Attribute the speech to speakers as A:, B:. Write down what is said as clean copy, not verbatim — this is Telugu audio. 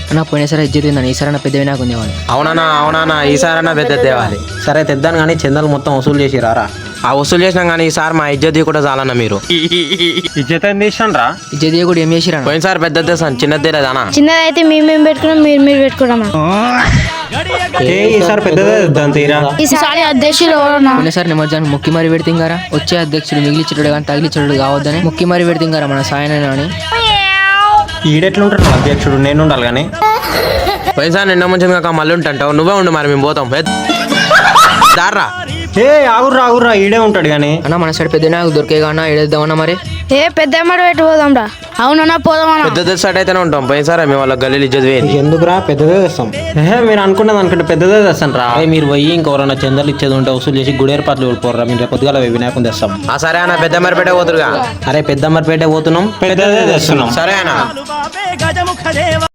A: అన్న పోయినసారి ఇజ్జత్ ఉందని ఈసారి పెద్ద వినాయకు ఉందేవాళ్ళు.
B: అవునా ఈసారైనా పెద్ద తేవాలి.
C: సరే తెద్దాను కానీ చందాలు మొత్తం వసూలు చేసి రారా.
B: ఆ వసూలు చేసినాం కానీ ఈసారి మా ఇజ్జత్ కూడా చాలన్నా మీరు.
D: ఇజ్జత్ ఏం తీసాను రా.
A: ఇజ్జత్ కూడా ఏం చేసిరా?
B: పోయినసారి పెద్ద తెస్తాను, చిన్నది తేలేదానా?
E: చిన్నదైతే మేము పెట్టుకున్నాం, మీరు పెట్టుకున్నాం.
D: ఈసారి పెద్దదే తెద్దాం తీరా.
E: ఈసారి అధ్యక్షులు ఎవరన్నా?
A: పోయినసారి నిమజ్జానికి ముక్కి మరి పెడితింగారా. వచ్చే అధ్యక్షుడు మిగిలిచ్చుడు కానీ తగిలిచ్చుడు కావద్దని ముక్కి మరి పెడితింగారా మన సాయన అని.
D: ఈడెట్లుంటాడు అధ్యక్షుడు, నేను ఉండాలి కానీ.
B: పోయినసారి నిన్న ముంచింది కాక మళ్ళీ ఉంటుంటావు, నువ్వే ఉండు మరి మేము పోతాం. దారా
D: ఆగుర్రా ఈడే ఉంటాడు కానీ.
A: అన్న మన సైడ్ పెద్ద వినాయకు దొరికే కానా ఏడేద్దామన్నా మరి.
E: పెద్ద పెట్టి పోదాం రా. అవునన్నా పోదామన్నా.
B: పెద్ద తెస్తాడు అయితేనే ఉంటాం. పోయినసారి మేము వాళ్ళ గల్లీలు ఇజ్జత్ వేయండి.
C: ఎందుకురా పెద్దదే తెస్తాం.
D: మీరు అనుకున్నది అనుకుంటే పెద్దదే తెస్తాను రా.
C: మీరు పోయి ఇంకెవరన్నా చందాలు ఇచ్చేది ఉంటే వసూలు చేసి గుడి ఏర్పాట్లు వెళ్ళిపోర్రా. మీరు రేపు పొద్దుగాల వినాయకుని తెస్తాం.
B: సరే అన్న పెద్ద మరిపేట పోతురుగా.
C: అరే పెద్దమ్మరిపేట పోతున్నాం,
D: పెద్దదే తెస్తున్నాం.
B: సరే అన్న.